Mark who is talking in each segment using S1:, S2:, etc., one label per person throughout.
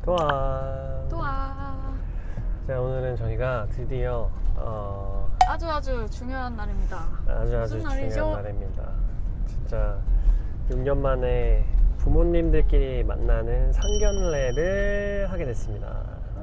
S1: 또아. 자, 오늘은 저희가 드디어
S2: 아주 중요한 날입니다.
S1: 아주
S2: 날이죠?
S1: 중요한 날입니다. 진짜 6년 만에 부모님들끼리 만나는 상견례를 하게 됐습니다.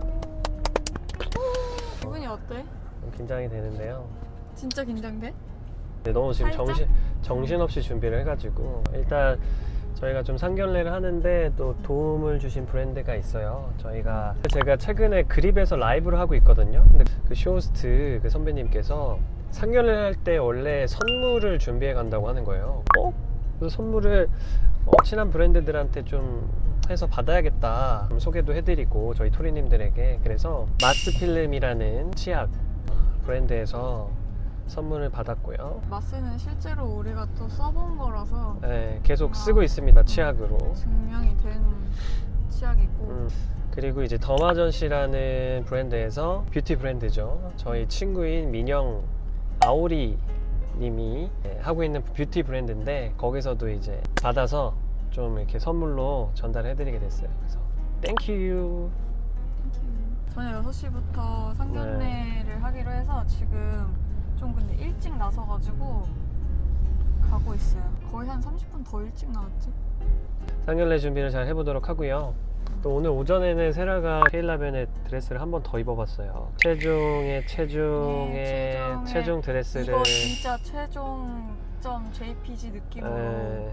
S2: 기분이 어때?
S1: 좀 긴장이 되는데요.
S2: 진짜 긴장돼?
S1: 근데 너무 지금
S2: 살짝?
S1: 정신없이 준비를 해가지고 일단 저희가 좀 상견례를 하는데 또 도움을 주신 브랜드가 있어요. 제가 최근에 그립에서 라이브를 하고 있거든요. 근데 그 쇼호스트 그 선배님께서 상견례를 할 때 원래 선물을 준비해 간다고 하는 거예요. 그래서 선물을 친한 브랜드들한테 좀 해서 받아야겠다. 소개도 해드리고 저희 토리님들에게. 그래서 마스필름이라는 치약 브랜드에서 선물을 받았고요.
S2: 마스는 실제로 우리가 또 써본 거라서
S1: 네, 계속 쓰고 있습니다. 치약으로.
S2: 증명이 된 치약이고
S1: 그리고 이제 더마전시라는 브랜드에서 뷰티 브랜드죠. 저희 친구인 민영 아오리 님이 하고 있는 뷰티 브랜드인데 거기서도 이제 받아서 좀 이렇게 선물로 전달해 드리게 됐어요. 그래서 땡큐.
S2: 저녁 6시부터 상견례를 하기로 해서 지금 좀 근데 일찍 나서가지고 가고 있어요. 거의 한 30분 더 일찍 나왔지?
S1: 상견례 준비를 잘 해보도록 하고요. 또 오늘 오전에는 세라가 케일라벤의 드레스를 한 번 더 입어봤어요. 체중의 체중 드레스를.
S2: 이거 진짜 최종점 JPG 느낌으로.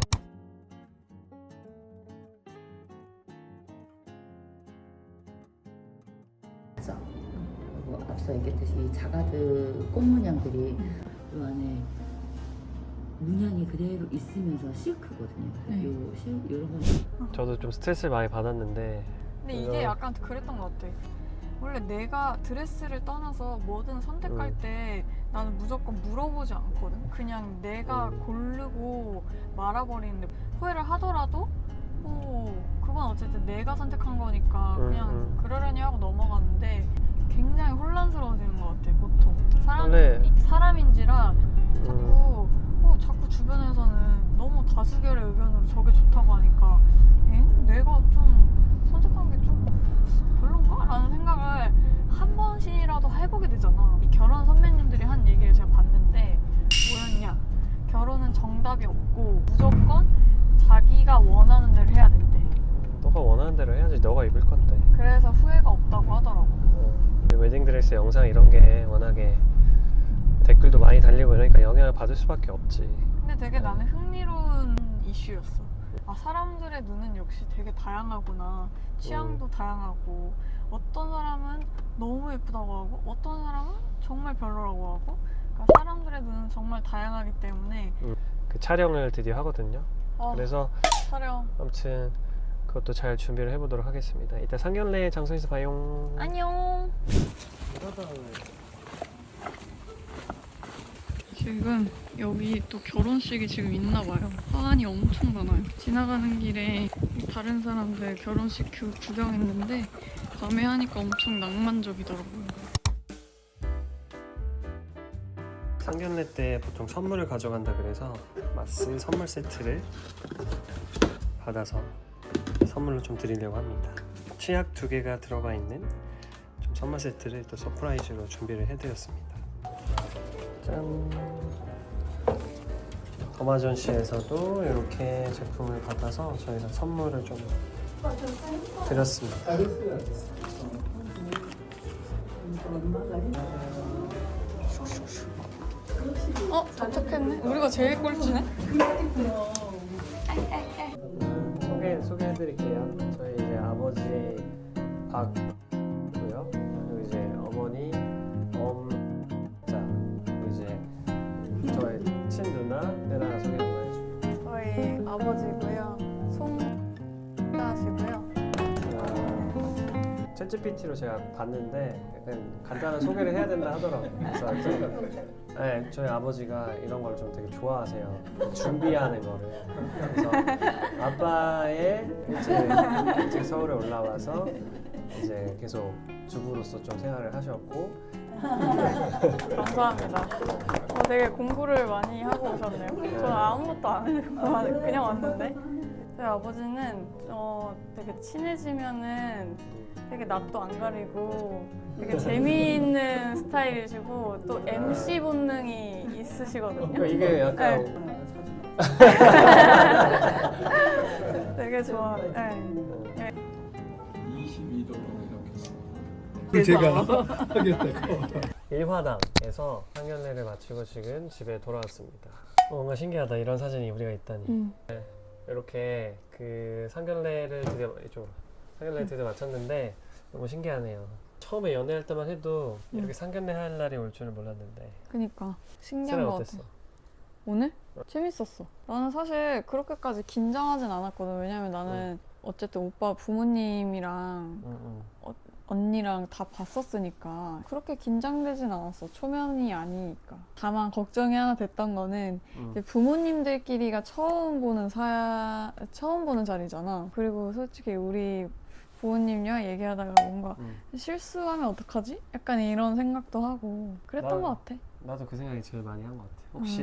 S3: 그리고 앞서 얘기했듯이 이 자가드 꽃 문양들이 이 안에 문양이 그대로 있으면서 실크거든요. 이런 건
S1: 저도 좀 스트레스를 많이 받았는데.
S2: 근데 이게 약간 그랬던 것 같아. 원래 내가 드레스를 떠나서 뭐든 선택할 때 나는 무조건 물어보지 않거든. 그냥 내가 고르고 말아버리는데 후회를 하더라도 그건 어쨌든 내가 선택한 거니까 그냥 그러려니 하고 넘어갔는데 굉장히 혼란스러워지는 것 같아. 보통 사람인지라 자꾸 주변에서는 너무 다수결의 의견으로 저게 좋다고 하니까 내가 좀 선택한 게 좀 별론가? 라는 생각을 한 번씩이라도 해보게 되잖아. 결혼 선배님들이 한 얘기를 제가 봤는데 뭐였냐, 결혼은 정답이 없고 무조건 자기가 원하는 대로 해야 된대.
S1: 너가 원하는 대로 해야지. 너가 입을 건데.
S2: 그래서 후회가 없다고 하더라고.
S1: 웨딩드레스 영상 이런 게 워낙에 댓글도 많이 달리고 이러니까 영향을 받을 수밖에 없지.
S2: 근데 되게 나는 흥미로운 이슈였어. 사람들의 눈은 역시 되게 다양하구나. 취향도 다양하고, 어떤 사람은 너무 예쁘다고 하고 어떤 사람은 정말 별로라고 하고, 그러니까 사람들의 눈은 정말 다양하기 때문에
S1: 그 촬영을 드디어 하거든요. 그래서
S2: 촬영
S1: 아무튼 그것도 잘 준비를 해보도록 하겠습니다. 이따 상견례 장소에서 봐요.
S2: 안녕. 지금 여기 또 결혼식이 지금 있나 봐요. 사안이 엄청 많아요. 지나가는 길에 다른 사람들 결혼식 구경했는데 밤에 하니까 엄청 낭만적이더라고요.
S1: 상견례 때 보통 선물을 가져간다 그래서 마스 선물 세트를 받아서 선물로 좀 드리려고 합니다. 치약 2개가 들어가 있는 좀 선물 세트를 또 서프라이즈로 준비를 해드렸습니다. 짠! 더마전시에서도 이렇게 제품을 받아서 저희가 선물을 좀 드렸습니다.
S2: 도착했네. 우리가 제일 꼴찌네.
S1: 소개해드릴게요. 저희 이제 아버지 박고요. 그리고 이제 어머니 엄자. 그리고 이제 저희 친누나 세라 소개 한번 해주세요.
S2: 저희 아버지고요. 송자시고요.
S1: 챗GPT로 제가 봤는데 약간 간단한 소개를 해야 된다 하더라고요. 그래서 네, 저희 아버지가 이런 걸 좀 되게 좋아하세요. 준비하는 거를. 그래서 아빠의 일찍 서울에 올라와서 이제 계속 주부로서 좀 생활을 하셨고.
S2: 감사합니다. 되게 공부를 많이 하고 오셨네요. 저는 아무것도 안 해도 그냥 왔는데. 저희 아버지는 되게 친해지면은 되게 낯도 안 가리고 되게 재미있는 스타일이시고 또 MC 본능이 있으시거든요.
S1: 그러니까 이게 약간
S2: 되게 좋아. 네.
S4: 22도 이렇게 있습니다.
S5: 그 제가 하겠다고.
S1: 일화당에서 상견례를 마치고 지금 집에 돌아왔습니다. 뭔가 신기하다. 이런 사진이 우리가 있다니. 이렇게 그 상견례를 드디어 마쳤는데 너무 신기하네요. 처음에 연애할 때만 해도 이렇게 상견례 할 날이 올 줄은 몰랐는데.
S2: 그니까 신기한
S1: 세라
S2: 것
S1: 어땠어?
S2: 같아. 오늘? 재밌었어. 나는 사실 그렇게까지 긴장하진 않았거든. 왜냐면 나는 어쨌든 오빠 부모님이랑 언니랑 다 봤었으니까 그렇게 긴장되진 않았어. 초면이 아니니까. 다만 걱정이 하나 됐던 거는 이제 부모님들끼리가 처음 보는 자리잖아. 그리고 솔직히 우리 부모님이랑 얘기하다가 뭔가 실수하면 어떡하지? 약간 이런 생각도 하고 그랬던 것 같아.
S1: 나도 그 생각이 제일 많이 한 것 같아.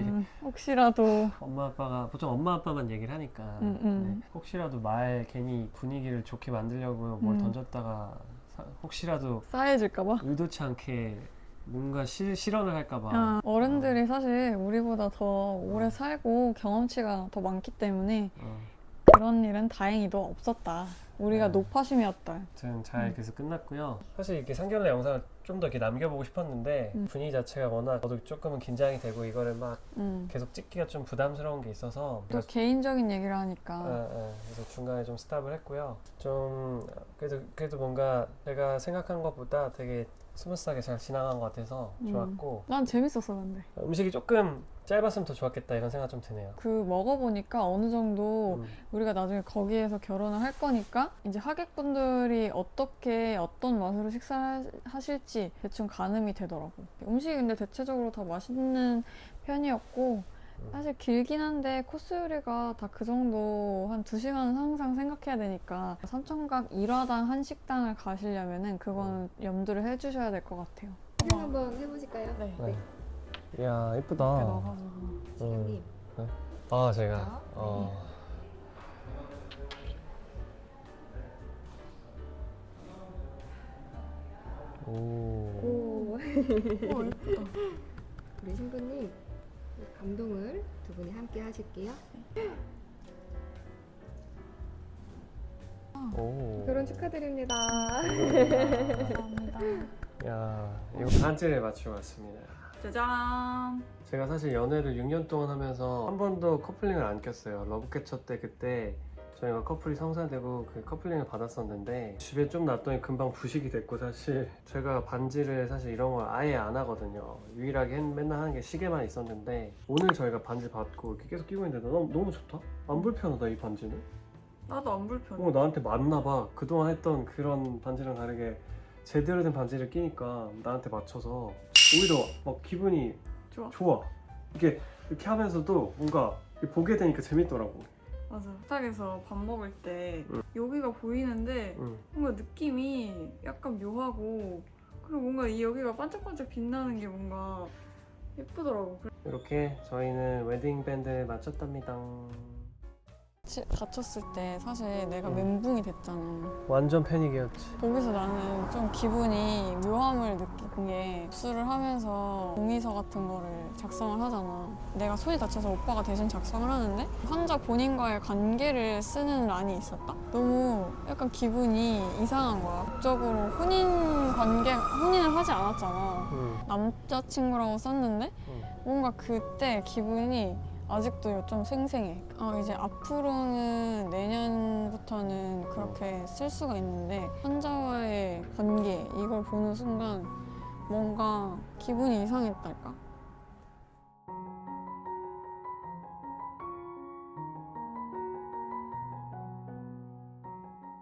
S2: 혹시라도
S1: 엄마 아빠가 보통 엄마 아빠만 얘기를 하니까 네. 혹시라도 말 괜히 분위기를 좋게 만들려고 뭘 던졌다가 혹시라도
S2: 싸해질까봐?
S1: 의도치 않게 뭔가 실언을 할까봐.
S2: 어른들이 사실 우리보다 더 오래 살고 경험치가 더 많기 때문에 그런 일은 다행히도 없었다. 우리가 노파심이었다.
S1: 아무튼 잘 그래서 끝났고요. 사실 이렇게 상견례 영상을 좀 더 이렇게 남겨보고 싶었는데 분위기 자체가 워낙 저도 조금은 긴장이 되고 이거를 막 계속 찍기가 좀 부담스러운 게 있어서
S2: 또 개인적인 얘기를 하니까
S1: 그래서 중간에 좀 스탑을 했고요. 좀 그래도 뭔가 내가 생각한 것보다 되게 스무스하게 잘 지나간 것 같아서 좋았고
S2: 난 재밌었어. 근데
S1: 음식이 조금 짧았으면 더 좋았겠다 이런 생각 좀 드네요.
S2: 그 먹어보니까 어느 정도 우리가 나중에 거기에서 결혼을 할 거니까 이제 하객분들이 어떤 맛으로 식사하실지 대충 가늠이 되더라고. 음식이 근데 대체적으로 다 맛있는 편이었고 사실 길긴 한데 코스 요리가 다 그 정도 한 2시간은 항상 생각해야 되니까 삼청각 1화당 한식당을 가시려면은 그건 염두를 해주셔야 될 것 같아요.
S6: 촬영 한번 해보실까요?
S2: 네.
S1: 이야 예쁘다.
S2: 나가지고.
S6: 시간님.
S1: 아 제가
S6: 오.
S2: 예쁘다.
S6: 우리 신부님 감동을 두 분이 함께 하실게요. 결혼 축하드립니다.
S2: 감사합니다.
S1: 야 이거 반지를 맞추고 왔습니다.
S2: 짜잔.
S1: 제가 사실 연애를 6년 동안 하면서 한 번도 커플링을 안 꼈어요. 러브캐쳐 때 그때 저희가 커플이 성사되고 그 커플링을 받았었는데 집에 좀 놨더니 금방 부식이 됐고 사실 제가 반지를 사실 이런 걸 아예 안 하거든요. 유일하게 맨날 하는 게 시계만 있었는데 오늘 저희가 반지 받고 이렇게 계속 끼고 있는데 너무 좋다? 안 불편하다 이 반지는?
S2: 나도 안 불편해.
S1: 나한테 맞나 봐. 그동안 했던 그런 반지랑 다르게 제대로 된 반지를 끼니까 나한테 맞춰서 오히려 막 기분이 좋아. 이렇게 하면서도 뭔가 보게 되니까 재밌더라고.
S2: 맞아. 식탁에서 밥 먹을 때 여기가 보이는데 뭔가 느낌이 약간 묘하고 그리고 뭔가 이 여기가 반짝반짝 빛나는 게 뭔가 예쁘더라고.
S1: 이렇게 저희는 웨딩 밴드를 마쳤답니다.
S2: 다쳤을 때 사실 내가 멘붕이 됐잖아.
S1: 완전 패닉이었지.
S2: 거기서 나는 좀 기분이 묘함을 느낀 게 입수를 하면서 동의서 같은 거를 작성을 하잖아. 내가 손이 다쳐서 오빠가 대신 작성을 하는데 환자 본인과의 관계를 쓰는 란이 있었다? 너무 약간 기분이 이상한 거야. 법적으로 혼인을 하지 않았잖아. 남자친구라고 썼는데 뭔가 그때 기분이 아직도 좀 생생해. 이제 앞으로는 내년부터는 그렇게 쓸 수가 있는데 환자와의 관계 이걸 보는 순간 뭔가 기분이 이상했달까?